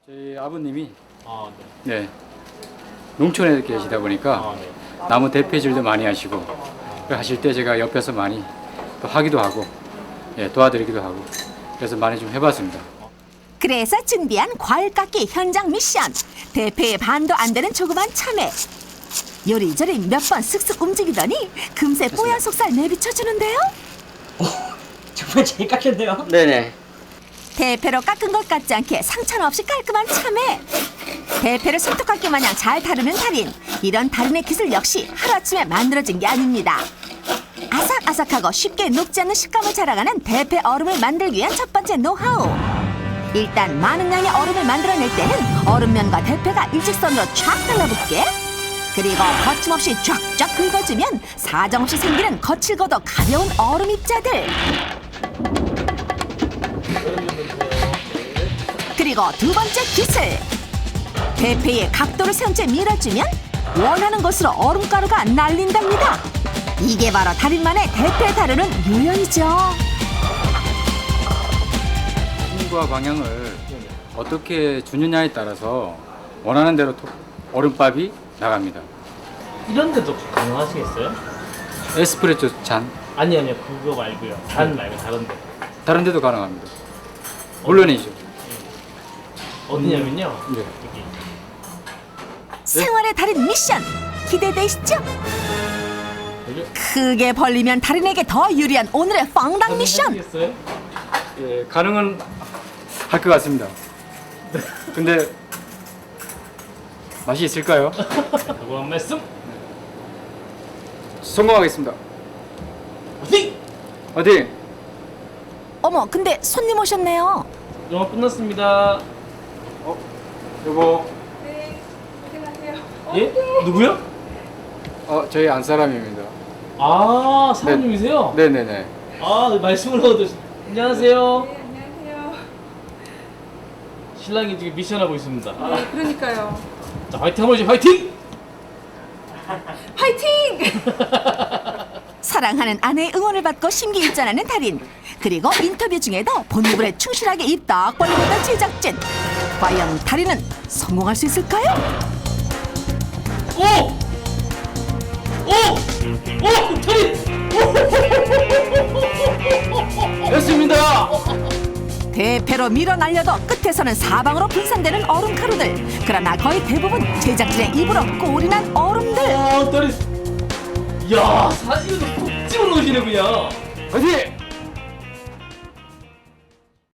저희 아버님이 아, 네. 네 농촌에 계시다 보니까 아, 네. 나무 대패질도 많이 하시고 그 하실 때 제가 옆에서 많이 또 하기도 하고 도와드리기도 하고 그래서 많이 좀 해봤습니다. 그래서 준비한 과일 깎기 현장 미션. 대패의 반도 안 되는 조그만 참외. 요리조리 몇 번 슥슥 움직이더니 금세 뽀얀 속살 내비쳐주는데요. 정말 잘 깎였네요. 네네. 대패로 깎은 것 같지 않게 상처는 없이 깔끔한 참외. 대패를 손톱깎이 마냥 잘 다루는 달인. 이런 달인의 기술 역시 하루아침에 만들어진 게 아닙니다. 아삭아삭하고 쉽게 녹지 않는 식감을 자랑하는 대패 얼음을 만들기 위한 첫 번째 노하우. 일단 많은 양의 얼음을 만들어낼 때는 얼음면과 대패가 일직선으로 쫙 달라붙게, 그리고 거침없이 쫙쫙 긁어주면 사정없이 생기는 거칠고도 가벼운 얼음 입자들. 그리고 두 번째 기술. 대패의 각도를 세운 채 밀어주면 원하는 곳으로 얼음가루가 날린답니다. 이게 바로 달인만의 대패 다루는 요령이죠. 힘과 방향을 어떻게 주느냐에 따라서 원하는 대로 얼음밥이 나갑니다. 이런 데도 가능하시겠어요? 에스프레소 잔 아니요. 그거 말고요. 단 말고 다른 데. 다른 데도 가능합니다. 물론이죠. 어디냐면요. 네. 여기. 생활의 달인 미션 기대되시죠? 여기. 크게 벌리면 달인에게 더 유리한 오늘의 빵당 미션. 하시겠어요? 예, 가능은 할 것 같습니다. 근데 맛이 있을까요? 그거 한 말씀. 성공하겠습니다. 어디? 어디? 어머, 근데 손님 오셨네요. 영화 끝났습니다. 여보, 예? 누구요? 저희 안 사람입니다. 아, 사장님이세요? 네네네. 아, 네, 말씀을 얻으시. 안녕하세요. 네, 안녕하세요. 신랑이 지금 미션하고 있습니다. 네, 그러니까요. 자, 화이팅 한번 해주세요. 화이팅! 화이팅! 사랑하는 아내의 응원을 받고 심기일전하는 달인. 그리고 인터뷰 중에도 본부에 충실하게 입 딱 벌리고 있던 제작진. 과연 달인은 성공할 수 있을까요? 오! 오! 오! 달인! 됐습니다. 대패로 밀어 날려도 끝에서는 사방으로 분산되는 얼음 가루들. 그러나 거의 대부분 제작진의 입으로 꼴이 난 얼음들. 아, 달인! 야, 사진도 콕 집어넣으시네 그냥. 어디?